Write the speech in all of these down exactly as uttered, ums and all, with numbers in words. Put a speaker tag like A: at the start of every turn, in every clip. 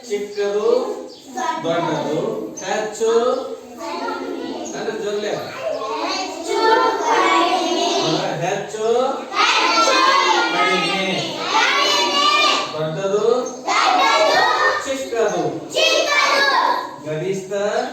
A: ಚಿಕ್ಕದು ದೊಡ್ಡದು ಹೆಚ್ಚು ಅಂದ್ರೆ ಜೊಲ್ಲೆ ಹೆಚ್ಚು ಕಡಿಮೆ ದೊಡ್ಡದು ಚಿಕ್ಕದು ಗರಿಷ್ಠ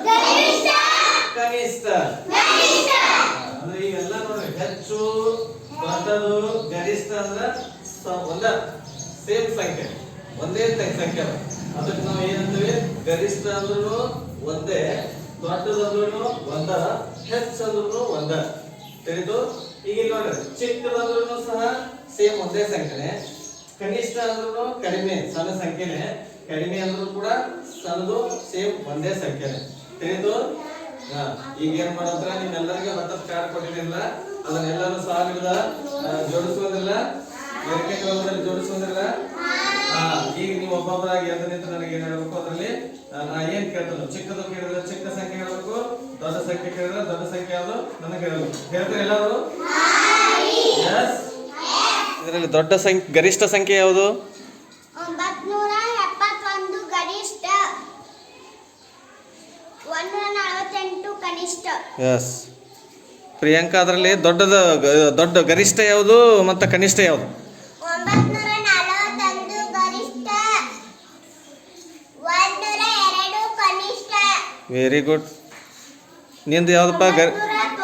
A: ಕನಿಷ್ಠ ಅಂದ್ರೆ ಇವೆಲ್ಲ ನೋಡ್ರಿ ಹೆಚ್ಚು ದೊಡ್ಡದು ಗರಿಷ್ಠ ಅಂದ್ರೆ ಒಂದ ಸೇಮ್ ಸಂಖ್ಯೆ ಒಂದೇ ಸಂಖ್ಯೆ ಅದಕ್ಕೆ ನಾವು ಏನಂತೀವಿ ಗರಿಷ್ಠ ಅಂದ್ರೂ ಒಂದೇ ದೊಡ್ಡದಂದ್ರೂ ಒಂದ ಹೆಚ್ಚಂದ್ರೂ ಒಂದ ತಿಳಿದು ಈಗ ನೋಡ್ರಿ ಚಿಕ್ಕದಂದ್ರೂ ಸಹ ಸೇಮ್ ಒಂದೇ ಸಂಖ್ಯೆನೆ ಕನಿಷ್ಠ ಅಂದ್ರೂ ಕಡಿಮೆ ಸಣ್ಣ ಸಂಖ್ಯೆನೆ ಕಡಿಮೆ ಅಂದ್ರೂ ಕೂಡ ಸಣ್ಣದು ಸೇಮ್ ಒಂದೇ ಸಂಖ್ಯೆನೆ ತಿಳಿದು ಈಗ ಏನ್ ಮಾಡೋದ್ರ ನಿಮ್ಮೆಲ್ಲರಿಗೂ ಹತ್ತತ್ತು ಕಾರ್ಡ್ ಕೊಟ್ಟಿರಲಿಲ್ಲ ಅದನ್ನೆಲ್ಲರೂ ಸಾವಿರದ ಜೋಡಿಸುವುದಿಲ್ಲ ಎರಡನೇ ಕ್ರಮದಲ್ಲಿ ಜೋಡಿಸುವುದಿಲ್ಲ ಈಗ ನೀವು ಒಬ್ಬೊಬ್ಬರಾಗಿ ಎದ್ದು ನಿಂತು ನನಗೆ ಏನ್ ಹೇಳ್ಬೇಕು ಅದರಲ್ಲಿ ನಾ ಏನ್ ಕೇಳ್ತೇನೆ ಚಿಕ್ಕದು ಕೇಳಿದ್ರೆ ಚಿಕ್ಕ ಸಂಖ್ಯೆ ಹೇಳ್ಬೇಕು ದೊಡ್ಡ ಸಂಖ್ಯೆ ಕೇಳಿದ್ರೆ ದೊಡ್ಡ ಸಂಖ್ಯೆ ಯಾವುದು ನನಗೆ ಹೇಳ್ಬೇಕು ಹೇಳ್ತಾರೆ ಎಲ್ಲರೂ ಇದರಲ್ಲಿ ದೊಡ್ಡ ಸಂಖ್ಯೆ ಗರಿಷ್ಠ ಸಂಖ್ಯೆ ಯಾವುದು ಎಸ್ ಪ್ರಿಯಾಂಕಾ ಅದರಲ್ಲಿ ದೊಡ್ಡದ ದೊಡ್ಡ ಗರಿಷ್ಠ ಯಾವುದು ಮತ್ತು ಕನಿಷ್ಠ ಯಾವುದು ವೆರಿ ಗುಡ್ ನಿಂದು ಯಾವ್ದಪ್ಪ ಗರಿ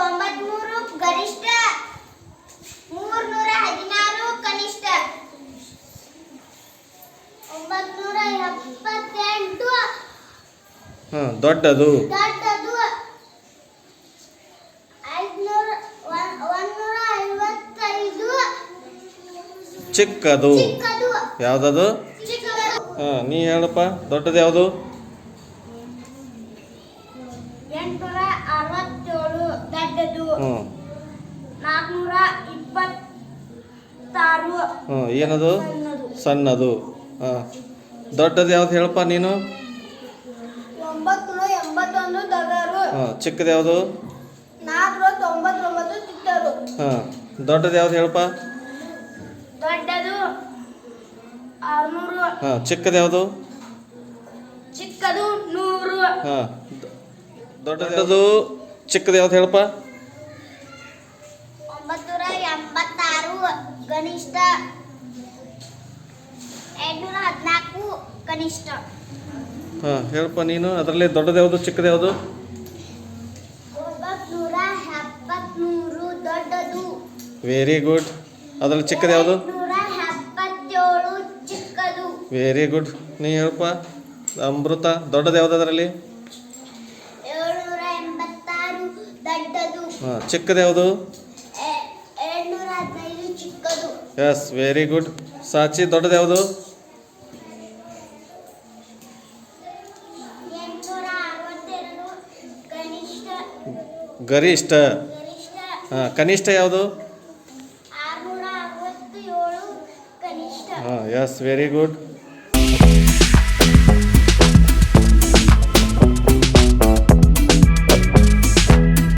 A: ಹಾಂ ದೊಡ್ಡದು ಚಿಕ್ಕದು ಯಾವ್ದದು ಹಾಂ ನೀ ಹೇಳಪ್ಪ ದೊಡ್ಡದು ಯಾವುದು ಹ್ಞೂ ಹ್ಞೂ ಏನದು ಸಣ್ಣದು ಹಾಂ ದೊಡ್ಡದು ಯಾವ್ದು ಹೇಳಪ್ಪ ನೀನು ಹಾಂ ಚಿಕ್ಕದು ಯಾವುದು ಹಾಂ ದೊಡ್ಡದು ಯಾವ್ದು ಹೇಳಪ್ಪ
B: ದೊಡ್ಡದು ಆರ್ನೂರು
A: ಹಾಂ ಚಿಕ್ಕದು ಯಾವುದು
B: ಚಿಕ್ಕದು ನೂರು
A: ಹಾಂ ದೊಡ್ಡದು ಚಿಕ್ಕದು ಯಾವ್ದು ಹೇಳಪ್ಪ
B: ಒಂಬತ್ತೂರ ಎಂಬತ್ತಾರು ಕನಿಷ್ಠ ಎಂಟುನೂರ ಹದಿನಾಲ್ಕು ಕನಿಷ್ಠ
A: ಹಾಂ ಹೇಳಪ್ಪ ನೀನು ಅದರಲ್ಲಿ ದೊಡ್ಡದು ಯಾವುದು ಚಿಕ್ಕದು ಯಾವುದು
B: ಒಂಬತ್ತೂರ ಎಪ್ಪತ್ಮೂರು ದೊಡ್ಡದು
A: ವೆರಿ ಗುಡ್ ಅದರಲ್ಲಿ ಚಿಕ್ಕದು ಯಾವುದು
B: ನೂರ ಎಪ್ಪತ್ತೇಳು ಚಿಕ್ಕದು
A: ವೆರಿ ಗುಡ್ ನೀ ಹೇಳಪ್ಪ ಅಮೃತ ದೊಡ್ಡದು ಯಾವುದು ಅದರಲ್ಲಿ
B: ಏಳ್ನೂರ ಎಂಬತ್ತಾರು ದೊಡ್ಡದು
A: ಹಾಂ ಚಿಕ್ಕದು ಯಾವುದು
B: ಎರಡ್ನೂರ ಹದಿನೈದು ಚಿಕ್ಕದು
A: ಎಸ್ ವೆರಿ ಗುಡ್ ಸಾಚಿ ದೊಡ್ಡದು ಯಾವುದು
B: ಎಂಟುನೂರ ಅರವತ್ತೆರಡು ಕನಿಷ್ಠ
A: ಗರಿಷ್ಠ
B: ಗರಿಷ್ಠ
A: ಹಾಂ ಕನಿಷ್ಠ ಯಾವುದು
B: ಆರುನೂರ ಅರವತ್ತೇಳು ಕನಿಷ್ಠ
A: ಹಾಂ ಎಸ್ ವೆರಿ ಗುಡ್